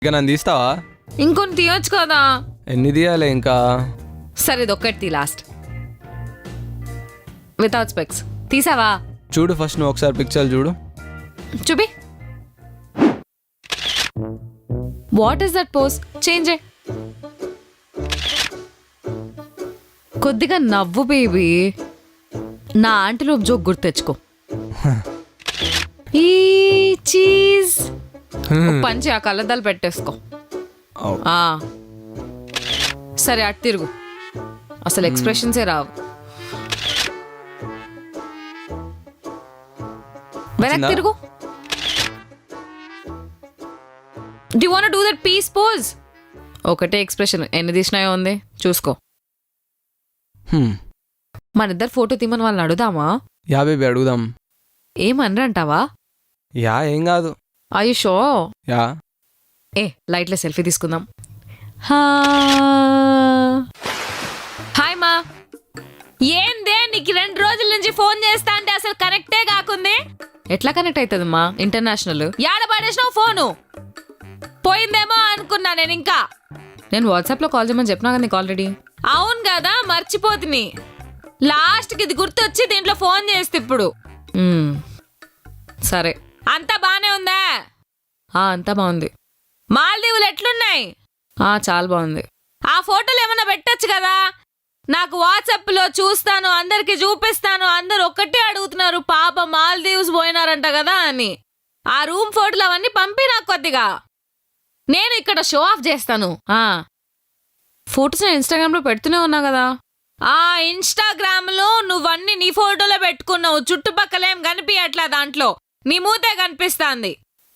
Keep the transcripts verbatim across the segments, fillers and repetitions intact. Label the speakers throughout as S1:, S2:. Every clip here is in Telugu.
S1: ఇక నన్ను తీస్తావా?
S2: ఇంకొన్ని తీయొచ్చు కదా.
S1: ఎన్ని తీయాలి ఇంకా?
S2: సరే ఇది ఒక్కటి లాస్ట్ వితౌట్ స్పెక్స్. తీసావా?
S1: చూడు ఫస్ట్ నువ్వు ఒకసారి పిక్చర్ చూడు.
S2: చూపి. What is that pose? Change కొద్దిగా నవ్వు బేబీ. నా ఆంటీలోపు జోక్ గుర్తు తెచ్చుకో. ఈ చీజ్ పంచి ఆ కళ్ళద్దాలు పెట్టేసుకో. ఆ సరే అటు తిరుగు. అసలు ఎక్స్ప్రెషన్సే రావు. వెనక్కి తిరుగు. Do you want to do that peace pose? ఒకటే ఎక్స్ప్రెషన్ ఎన్ని తీసినాయో ఉంది చూసుకో. మన ఇద్దరు ఫోటో తీమని వాళ్ళని అడుగుదామా?
S1: యా బేబీ అడుగుదాం.
S2: ఏమనరంటావా?
S1: యా ఏం కాదు.
S2: ఆయుషో
S1: యా
S2: ఏ లైట్లో సెల్ఫీ తీసుకుందాం. హాయ్ మా. ఏందే నీకు రెండు రోజుల నుంచి ఫోన్ చేస్తా అంటే అసలు కనెక్టే కాకుంది. ఎట్లా కనెక్ట్ అవుతుంది మా? ఇంటర్నేషనల్. యాడ పడేసినావు ఫోను? పోయిందేమో అనుకున్నా నేను. ఇంకా నేను వాట్సాప్లో కాల్ చేయమని చెప్పినా కదా నీకు ఆల్రెడీ. అవును కదా మర్చిపోతుని. లాస్ట్కి ఇది గుర్తొచ్చి దీంట్లో ఫోన్ చేస్తే ఇప్పుడు. సరే అంతా బానే ఉందా? అంతా బాగుంది. మాల్దీవులు ఎట్లున్నాయి? చాలా బాగుంది. ఆ ఫోటోలు ఏమన్నా పెట్టచ్చు కదా నాకు వాట్సాప్లో. చూస్తాను, అందరికి చూపిస్తాను. అందరు ఒక్కటే అడుగుతున్నారు పాప మాల్దీవ్స్ పోయినారంట కదా అని. ఆ రూమ్ ఫోటోలు అవన్నీ పంపి నాకు కొద్దిగా. నేను ఇక్కడ షో ఆఫ్ చేస్తాను. ఫోటోస్ నేను ఇన్స్టాగ్రామ్లో పెడుతూనే ఉన్నా కదా. ఆ ఇన్స్టాగ్రామ్లో నువ్వన్నీ నీ ఫోటోలో పెట్టుకున్నావు. చుట్టుపక్కలేం కనిపించట్లా దాంట్లో. నీ మూతే కనిపిస్తాంది.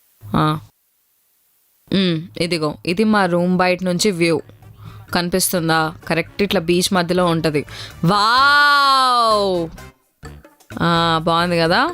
S2: ఇదిగో ఇది మా రూమ్ బయట నుంచి వ్యూ కనిపిస్తుందా? కరెక్ట్ ఇట్లా బీచ్ మధ్యలో ఉంటుంది. వావ్ బాగుంది కదా.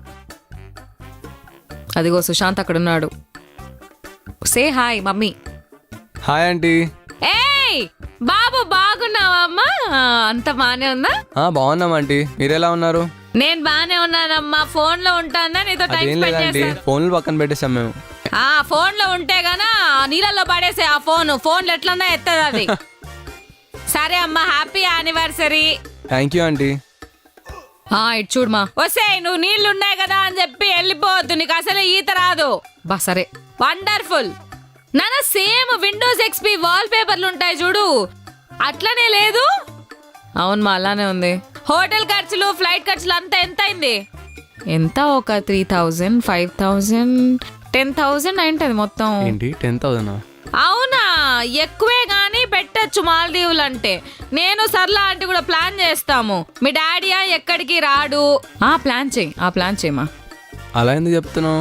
S2: అదిగో సుశాంత్ అక్కడ ఉన్నాడు. Say hi mummy.
S1: Hi aunty.
S2: ఏయ్ బాబు బాగున్నావా అమ్మా? అంత బానే ఉందా?
S1: బాగున్నాం ఆంటీ. మీరెలా ఉన్నారు?
S2: నేను బానే ఉన్నానమ్మా. ఫోన్ లో ఉంటానా నీతో టైం స్పెండ్ చేస్తాను.
S1: ఫోన్లు పక్కన పెట్టేసాం మేము.
S2: ఆ ఫోన్ లో ఉంటే గానా నీళ్ళల్లో పడేసే ఆ ఫోన్. ఫోన్లు ఎట్లన్నా ఎత్తది అది. సరే అమ్మా happy anniversary.
S1: Thank you aunty.
S2: ఇటు చూడమా. వస్తే నువ్వు నీళ్లు ఉన్నాయి కదా అని చెప్పి వెళ్ళిపోవద్దు. నీకు అసలు ఈత రాదు. బా సరే వండర్ఫుల్. నాన్న సేమ్ విండోస్ ఎక్స్పీ వాల్ పేపర్లు ఉంటాయి చూడు అట్లనే లేదు? అవును మా అలానే ఉంది. హోటల్ ఖర్చులు ఫ్లైట్ ఖర్చులు అంతా ఎంత అయింది? ఎంత ఒక three thousand five thousand ten thousand అయింటది మొత్తం.
S1: ఏంటి టెన్ థౌజండ్?
S2: అవునా ఎక్కువే గానీ పెట్టచ్చు మాల్దీవులు అంటే. నేను సర్లా అంటే కూడా ప్లాన్ చేస్తాము. మీ డాడీయా ఎక్కడికి రాడు. ఆ ప్లాన్ చేయి. ఆ ప్లాన్ చేయమా.
S1: అలా ఎందుకు చెప్తున్నావు?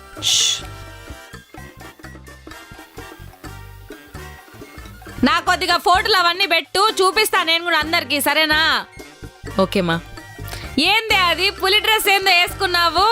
S2: నా కొద్దిగా ఫోటోలు అవన్నీ పెట్టు చూపిస్తా నేను కూడా అందరికి. సరేనా? ఓకేమా. ఏంది అది పులి డ్రెస్ ఏందో వేసుకున్నావు?